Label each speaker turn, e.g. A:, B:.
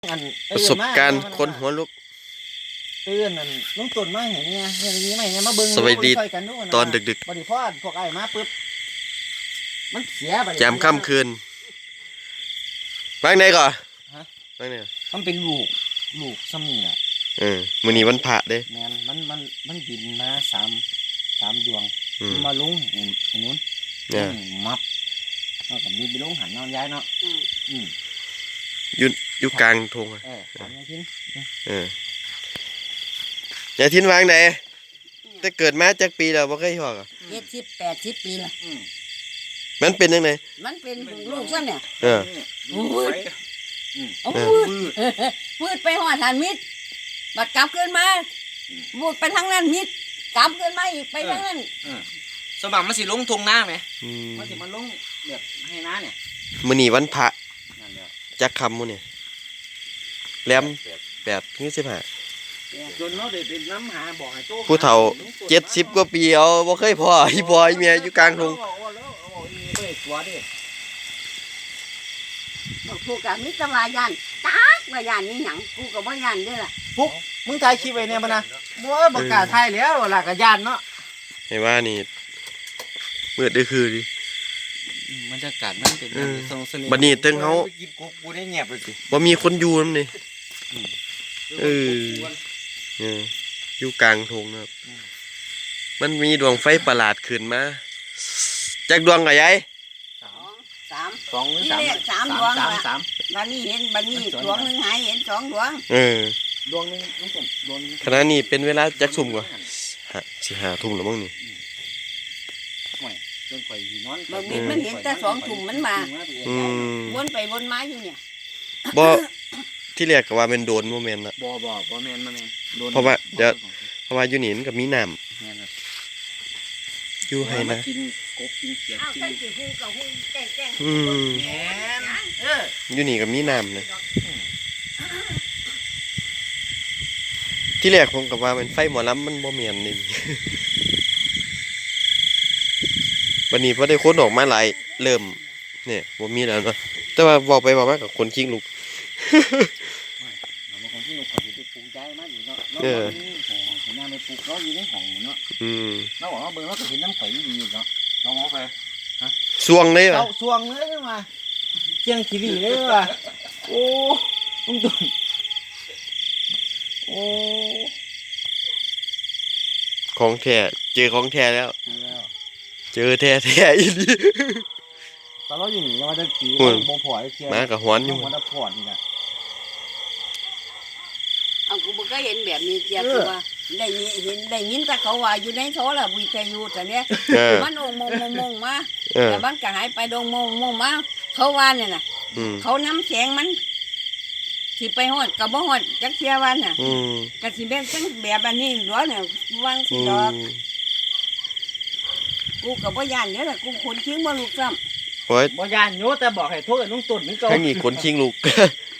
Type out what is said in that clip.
A: ประสบการณ์คนหัวลุก
B: ตื่นนั่นลุงตุ่นมาเห็นเนี่ยอย่างนี้ไหมเนี่ยมาเบิ่ง
A: สวัสดีตอนดึก
B: บริพอดพวกไอ้มาปึ๊บมันเสีย
A: แจมค่ำคืนบ้างไหนก่อนบ้างไหน
B: มันเป็นลูกซ้ำนี่แหละ
A: มื้อนี้วันพระเด้
B: แมนมันบินมาสามดวงมาลุงไอ้นู้นมับแล้วก็บินไปลุงหันนอนย้ายเนาะ
A: อยู่กลางทง
B: ถามยายทิ้น
A: ยายทิ้นวางไหนแต่เกิดมาจากปีแล้วบ่เคยหอก
C: 70-80 ปีละ
A: มันเป็นยังไง
C: มันเป็นลูกซ้ำเนี่ยมืดไปหอดหันมิดบัดกลับขึ้นมาบูดไปทางนั้นมิดกลับขึ้นมาอีกไปทางนั้น
B: สมัครมันสิลงทงหน้าไหมมันสิมันลงแบบให้น้าเนี่ย
A: มื้อนี้วันพระจักคำมื้อนี่แหลม8-15
B: จนเราได้เป็นน้ำหาบอกให้โต
A: ผู้เฒ่า70กว่าปีเอาบ่เคยพออีพ่ออีแม่อยู่กลางทง
C: กูกับมิตรวายันตักวายันนี่หยังกูกับวายันด้วยล่ะ
B: ปุ๊บมึงถ่ายคลิปไว้เนี่ยมันนะโอ้ยบอกกล้าถ่ายแล้วล่ะกับยันเนาะ
A: ให้ว่านี่มืดได้คือดิ
B: บรรยากาศมันเป็น
A: บัดนี้ตึงเฮา
B: กินกูได้เงียบเลยสิ
A: บ่มีคนอยู่นำนี่อยู่กลางทงนะครับมันมีดวงไฟประหลาดขึ้นมาจักดวงกะยาย
C: 2 หรือ 3ดวงบัดนี้เห็นบัดนี้ดวงนึงหายเห็น2ดวง
B: ดวงนึงน้องต้นดวงนึง
A: ขณะนี้เป็นเวลาจักทุ่มกว่าสิ5ทุ่มแล้วมั้งนี่
B: จนข่อยนอน
C: บางทีมันเห็นแต่2ทุ่มมันมาวนไปวนมาอยู่เนี่ย
A: บ่ที่แรกก็ว่าเป็นโดนบ่แม่นน่ะ
B: บ่แม่นโดน
A: เพราะว่าอยู่นี่มันก็มีน้ำอยู่ให้นะ
B: กินกบกินเขียดกิน
A: อยู่นี่ก็มีน้ำนะที่แรกผมก็ว่าเป็นไฟหมอลำมันบ่แม่นนี่วันนี้พอได้คนออกมาหลายเริ่มเนี่ยบ่มีแล้วเนาะแต่ว่าบอกไปบอกมากับคนคิงลูก
B: คนที่ลูกเขาจะปลูกใจมากอยู่เนาะของน้าไปปลูกเขาอยู่ในห้องเนาะเราบอกว่าเบอร์เขาจะเห็นน้ำใสดีเนาะน้องเอาไป
A: สวงเลยเหรอ
B: สวงเลยมาเชียงขีรีเลยว่ะโอ้ตุ้งตุ้งโอ้
A: ของแท้เจอของแท้แล้วเจอแท้อีหลี
B: ตอนเราอยู่นี่มันจะตีโบพอไอ้เชีย
A: มากับหวนอยู่
B: มันจะพอนี่นะ
C: เอากูบ่เคยเห็นแบบนี้เจียคือว่าได้ยินแต่เขาว่าอยู่ในโทรละวิทยุแต่เนี้ยมันมงมาแต่บางก็หายไปดงมงมาเขาว่าเนี่ยน่ะเขาน้ำแข็งมันสิไปฮอดก็บ่ฮอดจักเที่ยวันน่ะก็สิแบบจังแบบอันนี้หรอเนี่ยวางสิดอกกูก็บ่ย่านเด้อล่ะกูคนคิงบ่ลูกซ้ำ
A: โอ้ย
B: บ่ย่านอยู่แต่บอกให้โทรกับลุงตุ่นนึงก็
A: ให้นี่คนคิงลูก